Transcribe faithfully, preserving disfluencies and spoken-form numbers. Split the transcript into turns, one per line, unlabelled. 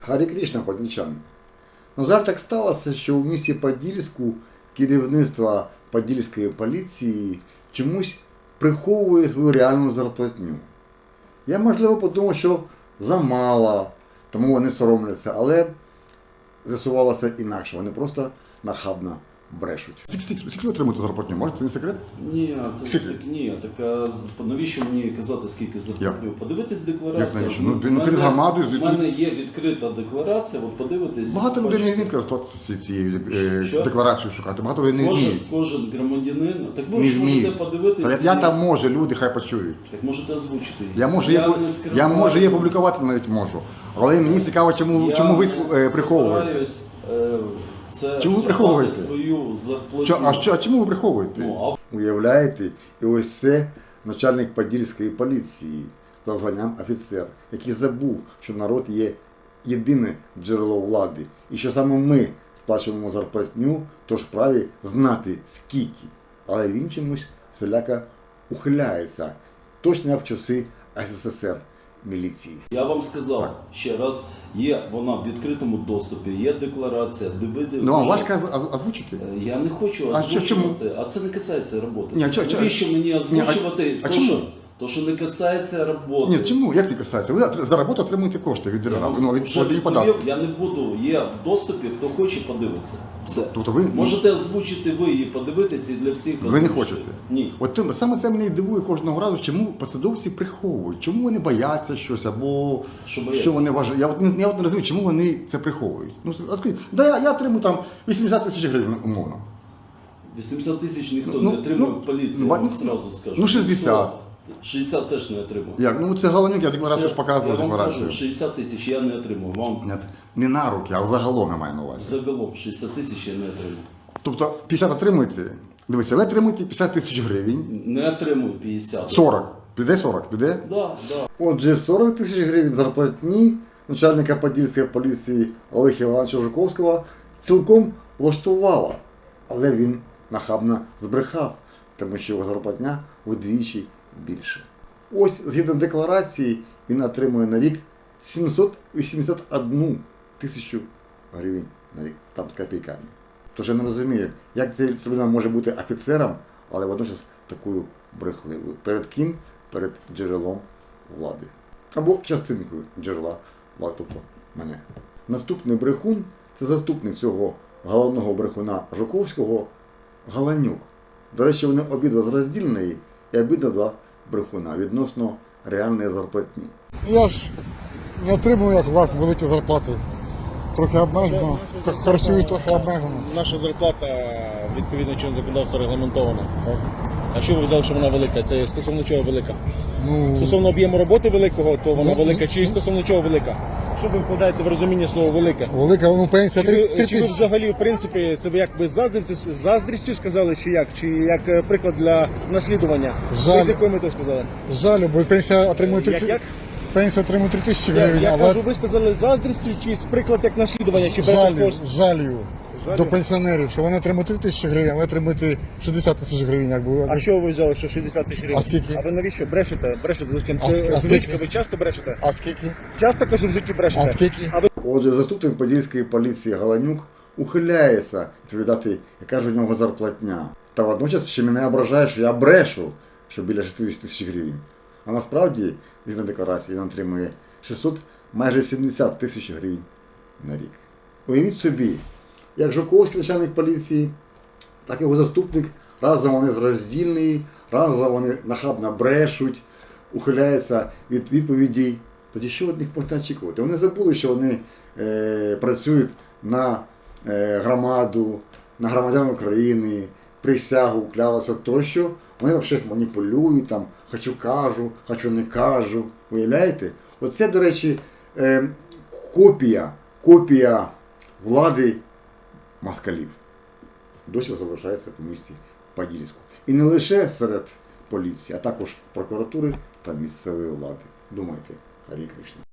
Гарі Крішна, подільчани. На жаль, так сталося, що у місті Подільську керівництво Подільської поліції чомусь приховує свою реальну зарплатню. Я, можливо, подумав, що замало, тому вони соромляться, але з'ясувалося інакше. Вони просто нахабно брешуть. Скільки ви отримуєте зарплатню? Може, це не секрет?
Ні, так, так, ні, так а навіщо мені казати, скільки зарплатню? Подивитись декларацію.
Як навіщо? Ну, ну, перед громадою
У мене є відкрита декларація, от подивитись.
Багато людей не вміють користуватися цією е, декларацією шукати, багато людей не
кожен,
вміють.
Кожен громадянин, так ви
Не
ж можете
вміють.
подивитись.
Я там можу, люди хай почують.
Так можете озвучити її.
Я можу її я можу її публікувати навіть можу. Але мені цікаво, чому,
я
чому ви е, приховуєте.
Стараюсь, е, це
Чому ви приховуєте?
свою зарплатню.
Чо, а, що, а чому ви приховуєте?
Ну, а...
Уявляєте, і ось це начальник Подільської поліції за званням офіцер, який забув, що народ є єдине джерело влади. І що саме ми сплачуємо зарплатню, тож вправі знати скільки. Але він чомусь всіляко ухиляється. Точно як в часи СССР міліції.
Я вам сказав так. Ще раз, є вона в відкритому доступі, є декларація, дивити.
Ну, а важко озвучити?
Я не хочу озвучувати, а, а це не касається роботи. Ні, чо,
Навіщо
чо? мені озвучувати,
Ні, а,
то,
а
що, то, що не касається роботи.
Ні, чому? Як не касається? Ви за роботу отримуєте кошти від держави, ну, від, від
податку. Я не буду, є в доступі, хто хоче подивитися. Все.
Тобто ви...
Можете озвучити ви і подивитися, і для всіх
озвучити. Ви не хочете?
Ні.
От це, саме це мене і дивує кожного разу, чому посадовці приховують, чому вони бояться щось, або що, що вони вважають. Я от, я от не розумію, чому вони це приховують. Ну, скажіть, да, я, я отримую там вісімдесят тисяч гривень, умовно.
вісімдесят тисяч ніхто
ну,
не отримав
ну,
в поліції,
ну,
я вам
ну,
одразу скажу.
Ну, шістдесят.
шістдесят теж не отримав.
Як? Ну це Галанюк, я декларацію ж показував декларацію.
шістдесят тисяч я не отримав. Вам...
Нет, не на руки, а загалом я маю на увазі.
Загалом шістдесят тисяч я не отримав.
Тобто п'ятдесят отримуєте? Дивіться, ви отримуєте п'ятдесят тисяч гривень.
Не отримую п'ятдесят.
сорок. Піде сорок? Піде?
Да, да.
Отже, сорок тисяч гривень зарплатні начальника Подільської поліції Олега Івановича Жуковського цілком влаштувала. Але він нахабно збрехав, тому що його зарплатня вдвічі більше. Ось, згідно декларації, він отримує на рік сімсот вісімдесят одну тисячу гривень на рік, там з копійками. Тож я не розумію, як ця людина може бути офіцером, але водночас такою брехливою. Перед ким? Перед джерелом влади. Або частинкою джерела влади, тобто мене. Наступний брехун – це заступник цього головного брехуна Жуковського Галанюк. До речі, вони обидва роздільні і обидва два брехуна відносно реальної зарплатні.
Я ж не отримую, як у вас, великі зарплати. Трохи обмежено, харчуюсь трохи обмежено.
Наша зарплата відповідно чинного законодавства регламентована.
Так.
А що ви взяли, що вона велика? Це стосовно чого велика?
Ну,
Стосовно об'єму роботи великого, то вона
Ну,
велика, чи
ну,
стосовно чого велика? Що ви вкладаєте в розуміння слова велика?
велика, ну, пенсія
Чи
три
ви, чи ви
тисячі.
взагалі, в принципі, це ви як би з заздрістю, заздрістю сказали, чи як? Чи як е, приклад для наслідування?
Жаль.
Ви з якою метою сказали?
Жаль, бо пенсія отримує три
Як, як?
пенсія отримує три тисячі
Я,
гривень,
я
але
кажу, ви сказали заздрістю, чи з приклад як наслідування, чи без
жалю,
коштів?
жалю
Жалю?
до пенсіонерів, що вони отримують три тисячі гривень, а ви отримуєте шістдесят тисяч гривень. Якби.
А що ви взяли, що шістдесят тисяч гривень?
А скільки?
А ви навіщо брешете? Брешете зачем?
А
Це
ск- а
звичка,
скільки?
ви часто брешете?
А скільки?
Часто, кажу, в житті брешете.
А скільки?
А ви...
Отже, заступник Подільської поліції Галанюк ухиляється відповідати, яка ж у нього зарплатня. Та водночас ще мене ображає, що я брешу, що біля шістдесят тисяч гривень. А насправді, згідно декларації, він отримує шістсот, майже сімдесят тисяч гривень на рік. Уявіть собі, як Жуковський начальник поліції, так і його заступник, разом вони роздільні, разом вони нахабно брешуть, ухиляються від відповідей. Тоді що від них можна очікувати? Вони забули, що вони е, працюють на е, громаду, на громадян України, присягу, клялися тощо. Вони там щось маніпулюють, там, хочу кажу, хочу не кажу. Уявляєте? Оце, до речі, е, копія, копія влади москалів. Досі залишається по місті Подільську. І не лише серед поліції, а також прокуратури та місцевої влади. Думайте, Гарі Кришна.